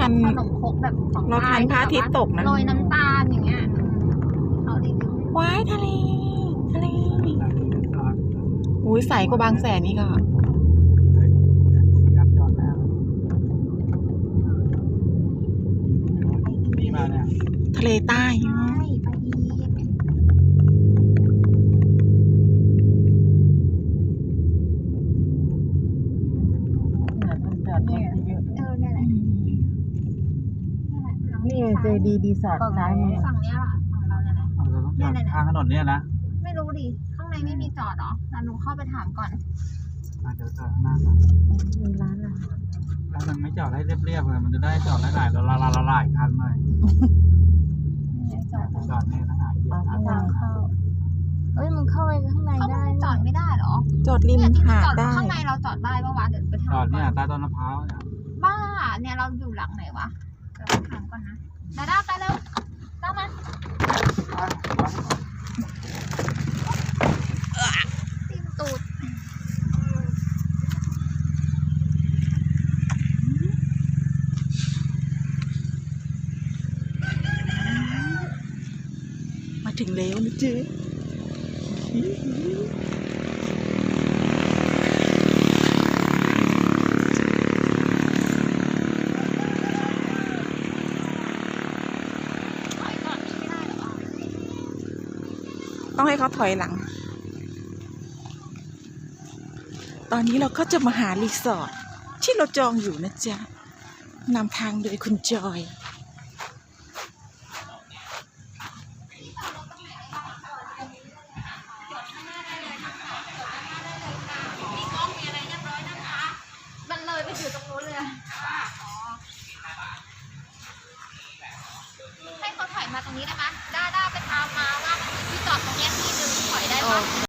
ทันขนมครกแบบของเราทันพระอาทิตย์ตกนะโรยน้ำตาลอย่างเงี้ยเขารีวิวว้ายทะเลอุ้ยใสกว่าบางแสนนี่ก็ทะเลใต้ใช่ไปอีกเนี่ยแหละนี่เจดีรีสอร์ทซ้ายมือฝั่งเนี้ยแหละของเราเนี่ยแหละเราต้องจอดข้างถนนเนี่ยนะไม่รู้ดิข้างในไม่มีจอดหรอเราหนูเข้าไปถามก่อนเดี๋ยวจอดข้างหน้าก่อนมีร้านอาหารแล้วมันไม่จอดให้เรียบๆเลยมันจะได้จอดหลายๆหลายคันหน่อยจอดจอดเนี่ยนะหาเกียร์ทางเข้าเอ้ยมันเข้าไปข้างในเขาได้จอดไม่ได้หรอจอดริมเนี่ยที่หาดจอดได้ข้างในเราจอดได้ปะวะเดี๋ยวไปถามจอดก่เนี่ยอนใต้ต้นมะพร้าวเนี่ยบ้าเนี่ยเราอยู่หลังไหนวะเดี๋ยวไปถามก่อนนะดาไปเร็วตามมาตีนตูดมาถึงแล้วนะเจ๊ต้องให้เขาถอยหลัง ตอนนี้เราก็จะมาหารีสอร์ทที่เราจองอยู่นะจ๊ะนำทางโดยคุณจอยมันเลยไปอยู่ตรงนู้นเลยอะให้เขาถอยมาตรงนี้ได้ไหมด้าไปตามมาว่ามันมีที่จอดตรงเนี้ยที่นึงถอยได้ปะ